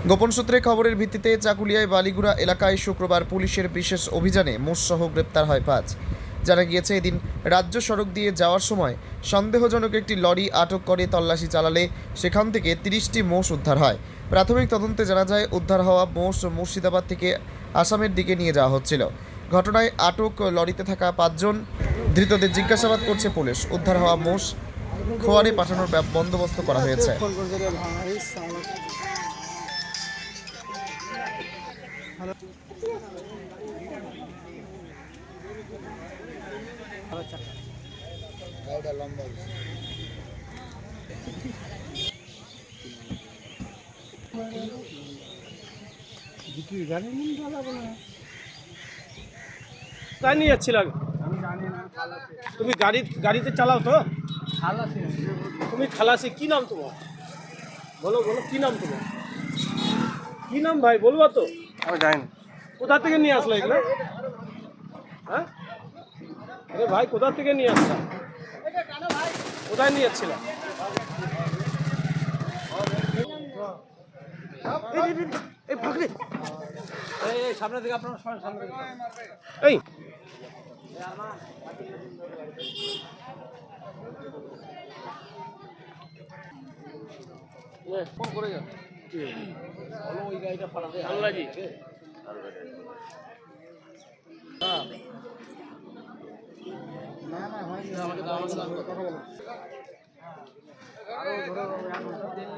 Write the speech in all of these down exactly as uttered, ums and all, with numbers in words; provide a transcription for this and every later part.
গোপন সূত্রে খবরের ভিত্তিতে চাকুলিয়ায় বালিগুড়া এলাকায় শুক্রবার পুলিশের বিশেষ অভিযানে মোষসহ গ্রেপ্তার হয় পাঁচ। জানা গিয়েছে, এদিন রাজ্য সড়ক দিয়ে যাওয়ার সময় সন্দেহজনক একটি লরি আটক করে তল্লাশি চালালে সেখান থেকে তিরিশটি মোষ উদ্ধার হয়। প্রাথমিক তদন্তে জানা যায়, উদ্ধার হওয়া মোষ মুর্শিদাবাদ থেকে আসামের দিকে নিয়ে যাওয়া হচ্ছিল। ঘটনায় আটক লরিতে থাকা পাঁচজন ধৃতদের জিজ্ঞাসাবাদ করছে পুলিশ। উদ্ধার হওয়া মোষ খোয়ারে পাঠানোর বন্দোবস্ত করা হয়েছে। তাই নিয়ে যাচ্ছিলাম। তুমি গাড়ি গাড়িতে চালাও তো? তুমি খালাসি, কি নাম তোমার? বলো বলো, কি নাম তোমার? কি নাম ভাই, বলবা তো? আমি জানি না। কোথা থেকে নিয়ে আসলো এগুলো? হ্যাঁ, আরে ভাই, কোথা থেকে নিয়ে আসলাম? কোথায় নিয়ে যাচ্ছিলাম? এই ভাগলে, এই সামনে থেকে আপনার সামনে থেকে এই ফোন করে যান। বলো ওই গাড়িটা পাঠাতে আল্লাহ জি। না না ভাই, আমাকে দাও দাও কথা বলো। আরো ধরে দিলে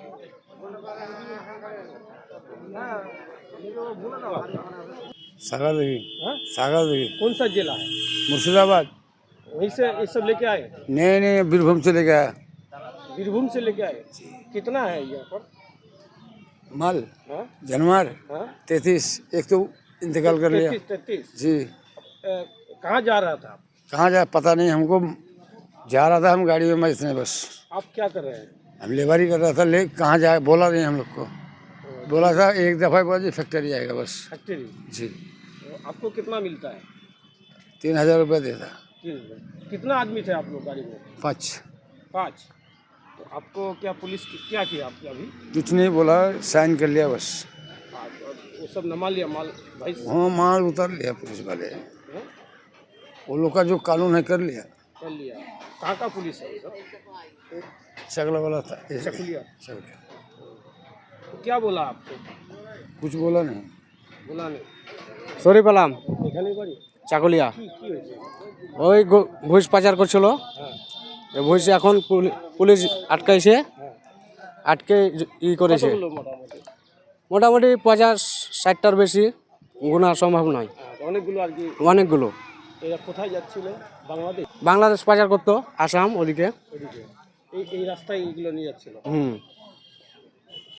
হ্যাঁ, ये तो बोला ना। सागर देवी। हाँ? सागर देवी कौन सा जिला है? मुर्शिदाबाद। वहीं से ये सब लेके आए? नहीं नहीं, बीरभूम से लेके आया। बीरभूम से लेके आए। कितना है यहाँ पर माल हाँ? जनवर हाँ? तैतीस। एक तो इंतकाल कर लिया। तैतीस तैतीस जी। कहाँ जा रहा था? कहाँ जाए पता नहीं हमको। जा रहा था हम गाड़ी में, मैं इसने बस आप क्या कर रहे हैं? हम लेबारी कर रहा था। ले कहाँ जाए बोला नहीं हम लोग को। बोला था एक दफ़ा बोला जी फैक्ट्री आएगा बस। फैक्ट्री। जी। आपको कितना मिलता है? तीन हजार रुपये देता। तीन हजार। कितना आदमी थे आप लोग गाड़ी में? पाँच। पाँच। तो आपको क्या पुलिस की क्या किया आपके अभी? कुछ नहीं बोला, साइन कर लिया बस। हाँ, तो वो सब नमा लिया माल भाई? हाँ, माल उतार लिया पुलिस वाले। हाँ? वो लोग का जो कानून है कर लिया। कर लिया। कहाँ का पुलिस है सब? चगला वाला था। चकुलिया। चगला। तो क्या बोला आपको? कुछ बोला नहीं। बोला नहीं। সরি পেলাম এখানে বাড়ি? চাকুলিয়া। কি কি হয়েছে? ওই গো- ঘুষ পাচার করছিল। হ্যাঁ এই ঘুষ এখন পুলি- পুলিশ আটকাইছে, হ্যাঁ। আটকে জ- ই করেছে। কতগুলো মোটামুটি? মোটামুটি পঞ্চাশ ষাটটার বেশি গোনা সম্ভব নয়। হ্যাঁ, অনেকগুলো আর কি। অনেকগুলো। এরা কোথায় যাচ্ছিল? বাংলাদেশ? বাংলাদেশ পাচার করতো, আসাম ওদিকে। ওদিকে এই এই রাস্তায় এগুলো নিয়ে যাচ্ছিল। হুম